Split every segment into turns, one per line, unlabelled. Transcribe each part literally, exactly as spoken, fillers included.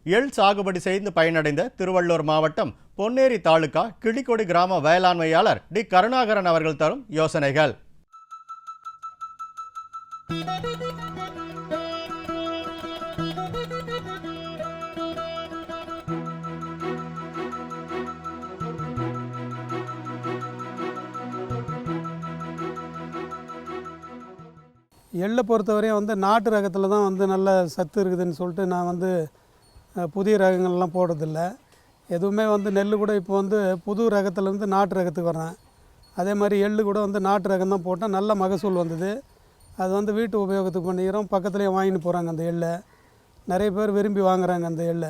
எள் சாகுபடி செய்து பயனடைந்த திருவள்ளூர் மாவட்டம் பொன்னேரி தாலுகா கிளிக்கொடி கிராம வேளாண்மையாளர் டி கருணாகரன் அவர்கள் தரும் யோசனைகள்.
எள்ளை பொறுத்தவரையும் வந்து நாட்டு ரகத்தில் தான் வந்து நல்ல சத்து இருக்குதுன்னு சொல்லிட்டு நான் வந்து புதிய ரகங்கள்லாம் போடுறதில்ல. எதுவுமே வந்து நெல் கூட இப்போ வந்து புது ரகத்துலேருந்து நாட்டு ரகத்துக்கு வரேன். அதே மாதிரி எள்ளு கூட வந்து நாட்டு ரகம் தான் போட்டால் நல்ல மகசூல் வந்தது. அது வந்து வீட்டு உபயோகத்துக்கு பண்ணிக்கிறோம். பக்கத்துலேயே வாங்கிட்டு போகிறாங்க அந்த எள்ளை. நிறைய பேர் விரும்பி வாங்குகிறாங்க அந்த எள்ளை.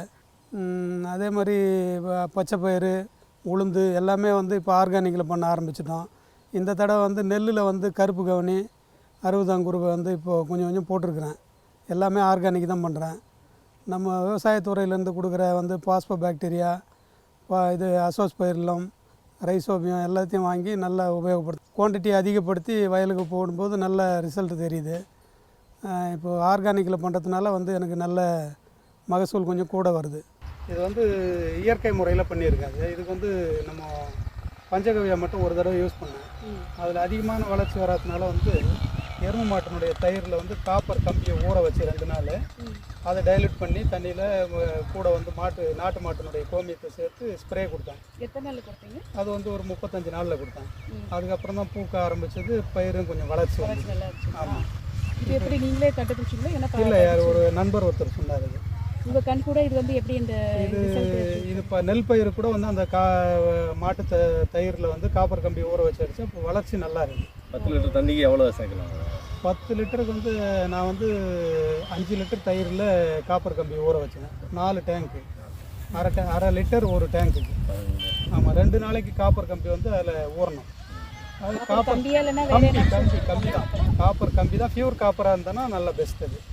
அதே மாதிரி பச்சை பயிறு, உளுந்து எல்லாமே வந்து இப்போ ஆர்கானிக்கில் பண்ண ஆரம்பிச்சிட்டோம். இந்த தடவை வந்து நெல்லில் வந்து கருப்பு கவுனி, அறுபதாங்குருவை வந்து இப்போது கொஞ்சம் கொஞ்சம் போட்டிருக்கிறேன். எல்லாமே ஆர்கானிக் தான் பண்ணுறேன். நம்ம விவசாயத்துறையிலேருந்து கொடுக்குற வந்து பாஸ்போ பாக்டீரியா, பா இது அசோஸ்பைரிலம், ரைசோபியம் எல்லாத்தையும் வாங்கி நல்லா உபயோகப்படுத்து குவான்டிட்டி அதிகப்படுத்தி வயலுக்கு போடும்போது நல்ல ரிசல்ட் தெரியுது. இப்போது ஆர்கானிக்கில் பண்ணுறதுனால வந்து எனக்கு நல்ல மகசூல் கொஞ்சம் கூட வருது. இது வந்து இயற்கை முறையில் பண்ணியிருக்காங்க. இதுக்கு வந்து நம்ம பஞ்சகவியா மட்டும் ஒரு தடவை யூஸ் பண்ணேன். அதில் அதிகமான வளர்ச்சி வராதனால வந்து எருமை மாட்டினுடைய தயிரில் வந்து காப்பர் கம்பியை ஊற வச்சு ரெண்டு நாள் அதை டைல்யூட் பண்ணி தண்ணியில் கூட வந்து மாட்டு நாட்டு மாட்டினுடைய கோமியத்தை சேர்த்து ஸ்ப்ரே கொடுத்தேன்.
எத்தனை நாள் கொடுத்தீங்க?
அது வந்து ஒரு முப்பத்தஞ்சு நாளில் கொடுத்தேன். அதுக்கப்புறம் தான் பூக்க ஆரம்பிச்சது, பயிரும் கொஞ்சம் வளர்ச்சி வந்து. ஆமாம்.
இது எப்படி நீங்களே கண்டுபிடிச்சிங்களா?
இல்லை, யார் ஒரு நண்பர் ஒருத்தர் சொன்னார். இது
உங்கள் கண் கூட இது வந்து எப்படி இந்த
இது இது இப்போ நெல் பயிர் கூட வந்து அந்த கா மாட்டு த தயிரில் வந்து காப்பர் கம்பி ஊற வச்சு அடிச்சு அப்போ வளர்ச்சி நல்லா இருக்குது.
பத்து லிட்டர் தண்ணிக்கு எவ்வளோ சேர்க்கலாம்?
பத்து லிட்டருக்கு வந்து நான் வந்து அஞ்சு லிட்டர் தயிரில் காப்பர் கம்பி ஊற வச்சேன். நாலு டேங்க்கு, அரை டே அரை லிட்டர் ஒரு டேங்க்குக்கு. ஆமாம், ரெண்டு நாளைக்கு காப்பர் கம்பி வந்து அதில் ஊறணும். அது காப்பர் கம்பி கம்பி கம்பி தான், காப்பர் கம்பி தான். பியூர் காப்பராக இருந்ததுன்னா நல்ல பெஸ்ட். அது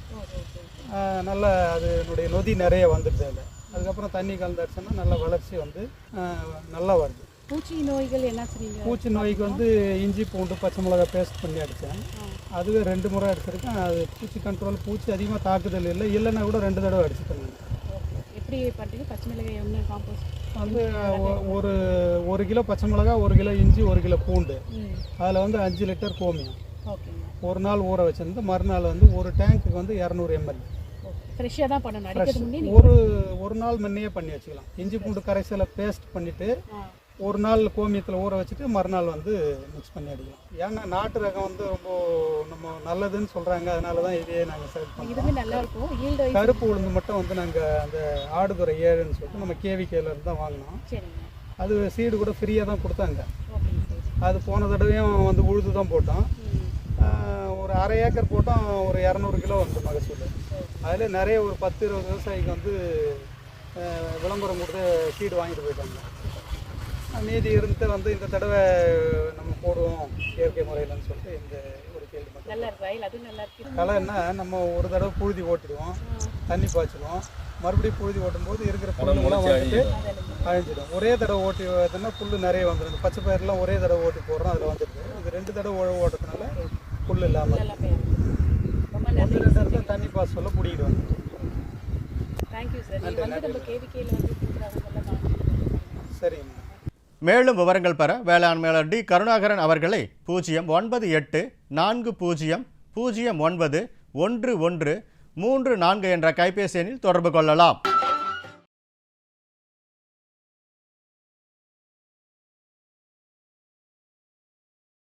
நல்லா அதனுடைய நொதி நிறைய வந்துடுது அதில். அதுக்கப்புறம் தண்ணி கலந்துடுச்சுன்னா நல்ல வளர்ச்சி வந்து நல்லா வருது.
பூச்சி நோய்கள் என்ன சொன்னீங்க?
பூச்சி நோய்க்கு வந்து இஞ்சி பூண்டு பச்சை மிளகா பேஸ்ட் பண்ணி அடித்தேன். அதுவே ரெண்டு முறை அடிச்சிருக்கேன். அது பூச்சி கண்ட்ரோல், பூச்சி அதிகமாக தாக்குதல் இல்லை. இல்லைன்னா கூட ரெண்டு தடவை அடிச்சுட்டேன்.
எப்படி பண்ணுறீங்க? பச்சை மிளகாய் என்ன காம்போஸ்ட்
வந்து ஒரு ஒரு கிலோ பச்சை மிளகா, ஒரு கிலோ இஞ்சி, ஒரு கிலோ பூண்டு, அதில் வந்து அஞ்சு லிட்டர் கோமியம் ஒரு நாள் ஊற வச்சிருந்து மறுநாள் வந்து ஒரு டேங்க்குக்கு வந்து இரநூறு எம்எல்
ஃப்ரெஷ்ஷாக தான் பண்ணணும்.
ஒரு ஒரு நாள் முன்னையே பண்ணி வச்சுக்கலாம். இஞ்சி பூண்டு கரைசலை பேஸ்ட் பண்ணிவிட்டு ஒரு நாள் கோமியத்தில் ஊற வச்சுட்டு மறுநாள் வந்து மிக்ஸ் பண்ணி அடிக்கலாம். ஏன்னா நாட்டு ரகம் வந்து ரொம்ப நம்ம நல்லதுன்னு சொல்கிறாங்க. அதனால தான் இதையே நாங்கள் செலக்ட் பண்ணுறோம்.
நல்லா இருக்கும்.
கருப்பு உளுந்து மட்டும் வந்து நாங்கள் அந்த ஆடுதுறை ஏழுன்னு சொல்லிட்டு நம்ம கேவிகேலேருந்து தான் வாங்கினோம். அது சீடு கூட ஃப்ரீயாக தான் கொடுத்தாங்க. அது போன தடவையும் வந்து உழுது தான் போட்டோம். ஒரு அரை ஏக்கர் போட்டோம். ஒரு இரநூறு கிலோ வந்து மகசூல். அதில் நிறைய ஒரு பத்து இருபது விவசாயிக்கு வந்து விளம்பரம் கொடுத்து சீடு வாங்கிட்டு போயிட்டாங்க. மீதி இருந்து வந்து இந்த தடவை நம்ம போடுவோம் இயற்கை முறையில்னு சொல்லிட்டு இந்த ஒரு கேள்வி மட்டும். களைன்னா நம்ம ஒரு தடவை புழுதி ஓட்டிடுவோம், தண்ணி பாய்ச்சிடுவோம். மறுபடியும் புழுதி ஓட்டும் போது இருக்கிற புல்லுலாம் வந்துட்டு அழிஞ்சிடும். ஒரே தடவை ஓட்டி பார்த்தோம்னா புல் நிறைய வந்துடும். பச்சை பயிரெலாம் ஒரே தடவை ஓட்டி போடுறோம், அதில் வந்துடுது. இது ரெண்டு தடவை உழவு ஓட்டுறதுனால புல் இல்லாமல் ஒன்று ரெண்டு இடத்துல தண்ணி பாஸ் சொல்ல பிடிக்கிடுவாங்க. சரிங்க.
மேலும் விவரங்கள் பெற வேளாண்மையாளர் டி கருணாகரன் அவர்களை பூஜ்ஜியம் ஒன்பது எட்டு நான்கு பூஜ்ஜியம் பூஜ்ஜியம் ஒன்பது ஒன்று ஒன்று மூன்று நான்கு என்ற கைபேசி எண்ணில் தொடர்பு கொள்ளலாம்.